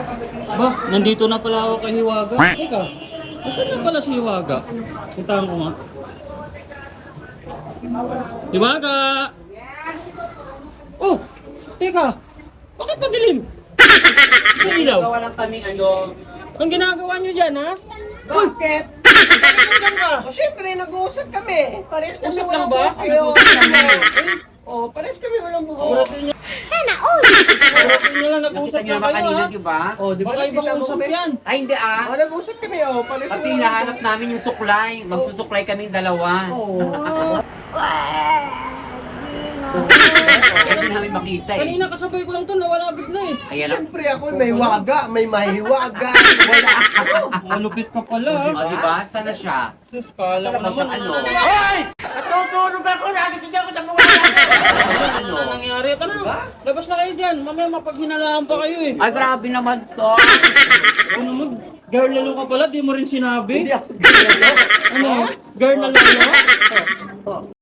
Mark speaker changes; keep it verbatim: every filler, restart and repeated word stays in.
Speaker 1: Ba, nandito na pala ako kay Hiwaga. Teka, nasaan na pala si Hiwaga? Puntahan ko nga. Hiwaga! Oh! Teka! Bakit padilim? Sa ilaw?
Speaker 2: Gawa lang kaming ano.
Speaker 1: Ang ginagawa nyo dyan, ha?
Speaker 2: Bakit?
Speaker 1: Bakit nandyan ka?
Speaker 2: O syempre, nag-uusap kami. Pares kami
Speaker 1: Usap lang
Speaker 2: walang
Speaker 1: ba?
Speaker 2: buhok.
Speaker 1: Nag-usap lang ba?
Speaker 2: O, pares kami walang buhok.
Speaker 1: Siguraduhin nyo. Sana all! Siguraduhin nyo lang nag-usap
Speaker 3: Nakita niyo
Speaker 1: lang
Speaker 3: ba
Speaker 1: kayo,
Speaker 3: kanina,
Speaker 1: ha?
Speaker 3: di ba?
Speaker 2: O, di ba
Speaker 1: Baka
Speaker 2: nakita
Speaker 1: ibang
Speaker 2: mo
Speaker 1: usap
Speaker 2: kami?
Speaker 1: yan.
Speaker 3: Ay, hindi ah.
Speaker 2: O, nag-usap kami, o. Pares
Speaker 3: Kasi
Speaker 2: kami walang
Speaker 3: hinahanap namin yung suklay. Magsusuklay kaming dalawa.
Speaker 2: buhok. O.
Speaker 3: Hindi namin makita eh.
Speaker 1: Kanina kasabay ko lang to, nawala bigla eh.
Speaker 3: Ayan na.
Speaker 2: Siyempre ako may waga, may mahiwaga, wala ako.
Speaker 1: Malupit ka pala, ha?
Speaker 3: O, di ba? Sana siya.
Speaker 1: Sus, kala ko
Speaker 3: Sana
Speaker 1: naman.
Speaker 3: siya ano.
Speaker 2: Natutulog ako, nagising ako sa mga
Speaker 1: Ano na nangyari? Ito na, labas na kayo dyan. Mamaya mapaghinalaan pa kayo eh.
Speaker 3: Ay, grabe naman to.
Speaker 1: Ano mo? Girl lalo ka pala, di mo rin sinabi.
Speaker 2: Hindi ako ganyan.
Speaker 1: Ano? Girl na lalo?